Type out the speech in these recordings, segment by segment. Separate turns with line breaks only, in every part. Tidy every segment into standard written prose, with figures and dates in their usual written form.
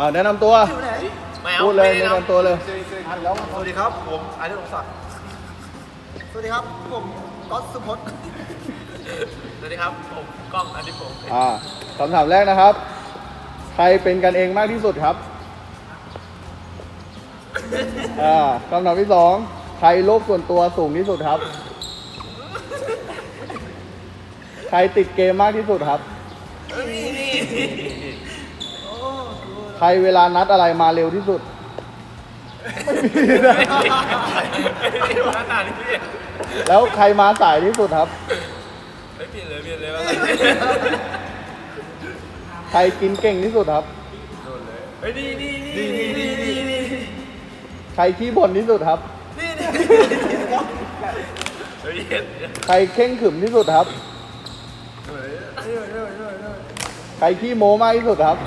แนะนำตัวพูดเลยแนะนำตัวเลย
สวัสดีครับผมอาทิตย์องศักดิ์สวัสดีครับผมก๊อตสุพจน์สวัสดีครับผมก้องอาทิตย์ผม
คำถามแรกนะครับใครเป็นกันเองมากที่สุดครับคำถามที่สองใครโลกส่วนตัวสูงที่สุดครับใครติดเกมมากที่สุดครับใครเวลานัดอะไรมาเร็วที่สุดไม่มีนะแล้วใครมาสายที่สุดครับ
เปลี่ยนเลยว่า
ใครกินเก่งที่สุดครับใครขี้บ่นที่สุดครับใครเข่งขรึมที่สุดครับใครขี้โม้มากที่สุดครับ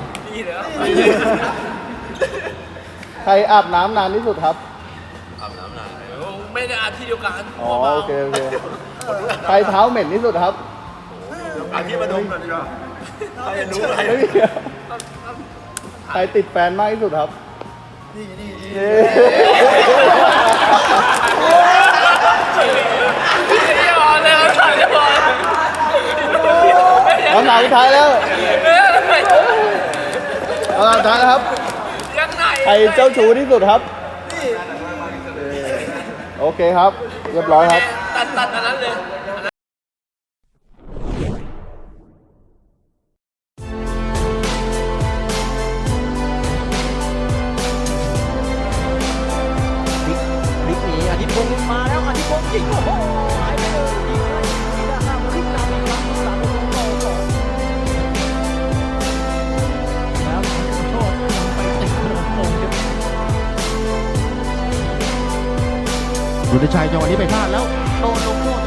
ใครอาบน้ำนานที่สุดครับ
อาบน้ำนานไม่ได้อาบที่เดียวกัน
โอเคใครเท้าเหม็นที่สุดครับ
อาทิตย์มาดมกันดีกว่าใครรู้อะไร
ใครติดแฟนมากที่สุดครับคำถามสุดท้ายแล้วคำถามสุดท้ายแล้วครับใครเจ้าชู้ที่สุดครับโอเคครับเรียบร้อยครับ
ตัดอันนั้นเลย
พลิกหนีอาทิตย์พงศ์มาแล้วอาทิตย์พงศ์ยิงโอ้โหหายไปเลยยิงเลยทีละห้ามาพลิกนำอีกครั้งสามประตูต่อสองแล้วโทษไปติดขนมพงศ์รุณชัยจังหวะนี้ไปพลาดแล้วโดนลงโทษ